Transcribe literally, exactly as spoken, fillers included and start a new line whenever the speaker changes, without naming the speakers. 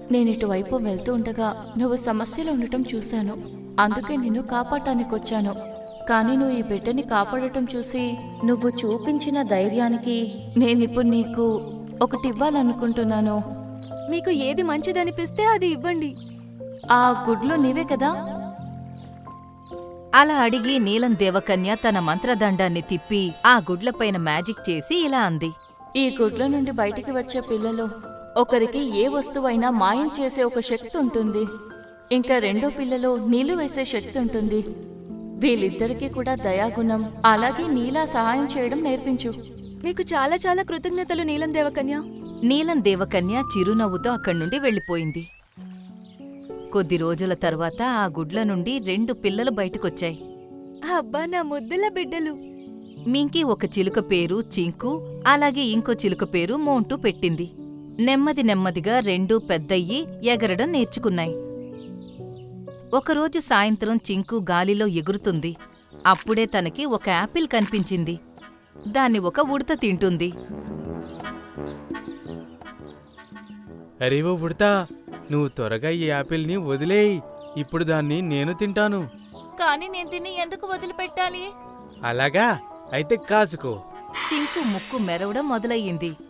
నేను ఇటువైపు వెళ్తూ ఉండగా నువ్వు సమస్యలో ఉండటం చూశాను. అందుకే నిన్ను కాపాడటానికొచ్చాను. కానీ నువ్వు ఈ బిడ్డని కాపాడటం చూసి నువ్వు చూపించిన ధైర్యానికి నేనిప్పుడు నీకు ఒకటి ఇవ్వాలనుకుంటున్నాను.
మీకు ఏది మంచిదనిపిస్తే అది ఇవ్వండి.
ఆ గుడ్లు నీవే కదా?
అలా అడిగి నీలం దేవకన్య తన మంత్రదండాన్ని తిప్పి ఆ గుడ్లపైన మ్యాజిక్ చేసి ఇలా అంది.
ఈ గుడ్ల నుండి బయటికి వచ్చే పిల్లలు ఒకరికి ఏ వస్తువైనా మాయం చేసే ఒక శక్తి ఉంటుంది. ఇంకా రెండో పిల్లలో నీళ్లు వేసే శక్తి ఉంటుంది. వీళ్ళిద్దరికీ కూడా దయాగుణం, అలాగే నీలా సహాయం చేయడం నేర్పించు.
మీకు చాలా చాలా కృతజ్ఞతలు నీలం దేవకన్య.
నీలం దేవకన్య చిరునవ్వుతో అక్కడ్నుండి వెళ్ళిపోయింది. కొద్ది రోజుల తరువాత ఆ గుడ్ల నుండి రెండు పిల్లలు బయటకొచ్చాయి.
అబ్బా, నా ముద్దుల బిడ్డలు.
మింకి ఒక చిలుక పేరు చింకు, అలాగే ఇంకో చిలుక పేరు మోంటూ పెట్టింది. నెమ్మది నెమ్మదిగా రెండూ పెద్దయ్యి ఎగరడం నేర్చుకున్నాయి. ఒకరోజు సాయంత్రం చింకు గాలిలో ఎగురుతుంది. అప్పుడే తనకి ఒక యాపిల్ కనిపించింది. దాన్ని ఒక ఉడత తింటుంది.
అరే ఓ ఉడతా, నువ్వు త్వరగా ఈ యాపిల్ని వదిలేయి. ఇప్పుడు దాన్ని నేను తింటాను.
కానీ నేను దీన్ని ఎందుకు వదిలిపెట్టాలి?
అలాగా? అయితే కాసుకో.
చింకు ముక్కు మెరవడం మొదలయ్యింది.